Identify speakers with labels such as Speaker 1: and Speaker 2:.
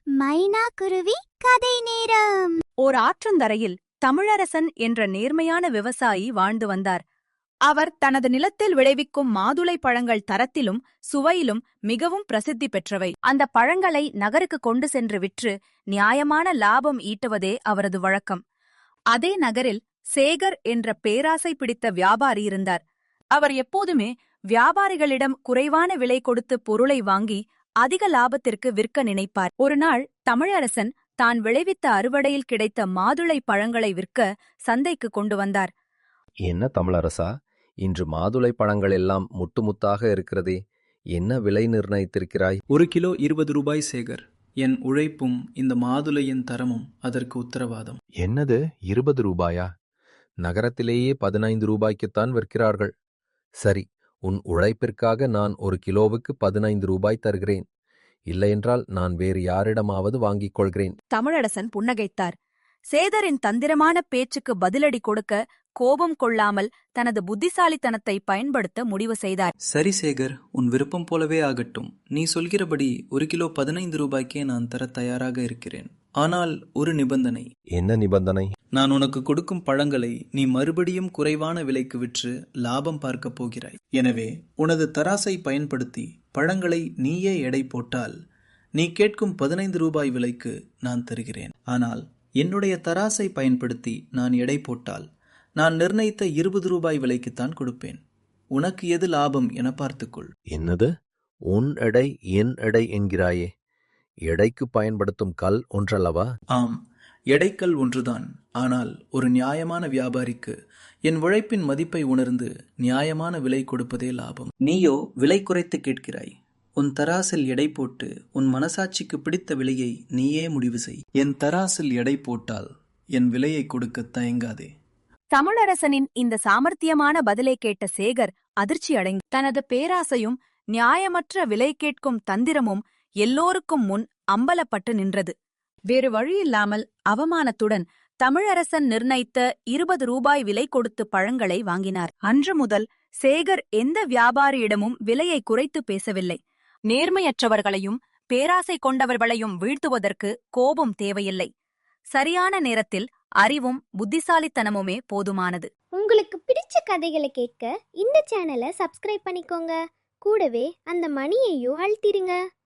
Speaker 1: மைனா குருவி கதை நேரம்.
Speaker 2: ஓர் ஆற்றந்தரையில் தமிழரசன் என்ற நேர்மையான விவசாயி வாழ்ந்து வந்தார். அவர் தனது நிலத்தில் விளைவிக்கும் மாதுளை பழங்கள் தரத்திலும் சுவையிலும் மிகவும் பிரசித்தி பெற்றவை. அந்த பழங்களை நகருக்கு கொண்டு சென்று விற்று நியாயமான லாபம் ஈட்டுவதே அவரது வழக்கம். அதே நகரில் சேகர் என்ற பேராசை பிடித்த வியாபாரி இருந்தார். அவர் எப்போதுமே வியாபாரிகளிடம் குறைவான விலை கொடுத்து பொருளை வாங்கி அதிக லாபத்திற்கு விற்க நினைப்பார். ஒருநாள் தமிழரசன் தான் விளைவித்த அறுவடையில் கிடைத்த மாதுளை பழங்களை விற்க சந்தைக்கு கொண்டு வந்தார்.
Speaker 3: என்ன தமிழரசா, இன்று மாதுளை பழங்கள் எல்லாம் முட்டு முத்தாக இருக்கிறதே, என்ன விலை நிர்ணயித்திருக்கிறாய்?
Speaker 4: 1 கிலோ 20 ரூபாய் சேகர். என் உழைப்பும் இந்த மாதுளையின் தரமும் அதற்கு உத்தரவாதம்.
Speaker 3: என்னது 20 ரூபாயா? நகரத்திலேயே 15 ரூபாய்க்குத்தான் விற்கிறார்கள். சரி, உன் உழைப்பிற்காக நான் 1 கிலோவுக்கு 15 ரூபாய் தருகிறேன். இல்லையென்றால் நான் வேறு யாரிடமாவது வாங்கிக் கொள்கிறேன்.
Speaker 2: தமிழரசன் புன்னகைத்தார். சேகரின் தந்திரமான பேச்சுக்கு பதிலடி கொடுக்க கோபம் கொள்ளாமல் தனது புத்திசாலித்தனத்தை பயன்படுத்த முடிவு செய்தார்.
Speaker 4: சரி சேகர், உன் விருப்பம் போலவே ஆகட்டும். நீ சொல்கிறபடி 1 கிலோ 15 ரூபாய்க்கே நான் தர தயாராக இருக்கிறேன். ஆனால் ஒரு நிபந்தனை.
Speaker 3: என்ன நிபந்தனை?
Speaker 4: நான் உனக்கு கொடுக்கும் பழங்களை நீ மறுபடியும் குறைவான விலைக்கு விற்று லாபம் பார்க்கப் போகிறாய். எனவே உனது தராசை பயன்படுத்தி பழங்களை நீயே எடை போட்டால் நீ கேட்கும் 15 ரூபாய் விலைக்கு நான் தருகிறேன். ஆனால் என்னுடைய தராசை பயன்படுத்தி நான் எடை போட்டால் நான் நிர்ணயித்த 20 ரூபாய் விலைக்குத்தான் கொடுப்பேன். உனக்கு எது லாபம் என பார்த்துக்கொள்.
Speaker 3: என்னது? உன் எடை என் எடை என்கிறாயே? எடைக்கு பயன்படுத்தும் கல் ஒன்றல்லவா?
Speaker 4: ஆம், எடைக்கல் ஒன்றுதான். ஆனால் ஒரு நியாயமான வியாபாரிக்கு என் உழைப்பின் மதிப்பை உணர்ந்து நியாயமான விலை கொடுப்பதே லாபம். நீயோ விலை குறைத்து கேட்கிறாய். உன் தராசில் எடை போட்டு உன் மனசாட்சிக்கு பிடித்த விலையை நீயே முடிவு செய். என் தராசில் எடை போட்டால் என் விலையை கொடுக்க தயங்காதே.
Speaker 2: தமிழரசனின் இந்த சாமர்த்தியமான பதிலை கேட்ட சேகர் அதிர்ச்சி அடைந்தார். தனது பேராசையும் நியாயமற்ற விலை கேட்கும் தந்திரமும் எல்லோருக்கும் முன் அம்பலப்பட்டு நின்றது. வேறு வழியில்லாமல் அவமானத்துடன் தமிழரசன் நிர்ணயித்த 20 ரூபாய் விலை கொடுத்து பழங்களை வாங்கினார். அன்று முதல் சேகர் எந்த வியாபாரியிடமும் விலையை குறைத்து பேசவில்லை. நேர்மையற்றவர்களையும் பேராசை கொண்டவர்களையும் வீழ்த்துவதற்கு கோபம் தேவையில்லை. சரியான நேரத்தில் அறிவும் புத்திசாலித்தனமுமே போதுமானது.
Speaker 1: உங்களுக்கு பிடிச்ச கதைகளை கேட்க இந்த சேனலை சப்ஸ்கிரைப் பண்ணிக்கோங்க. கூடவே அந்த மணியையும் அழுத்திடுங்க.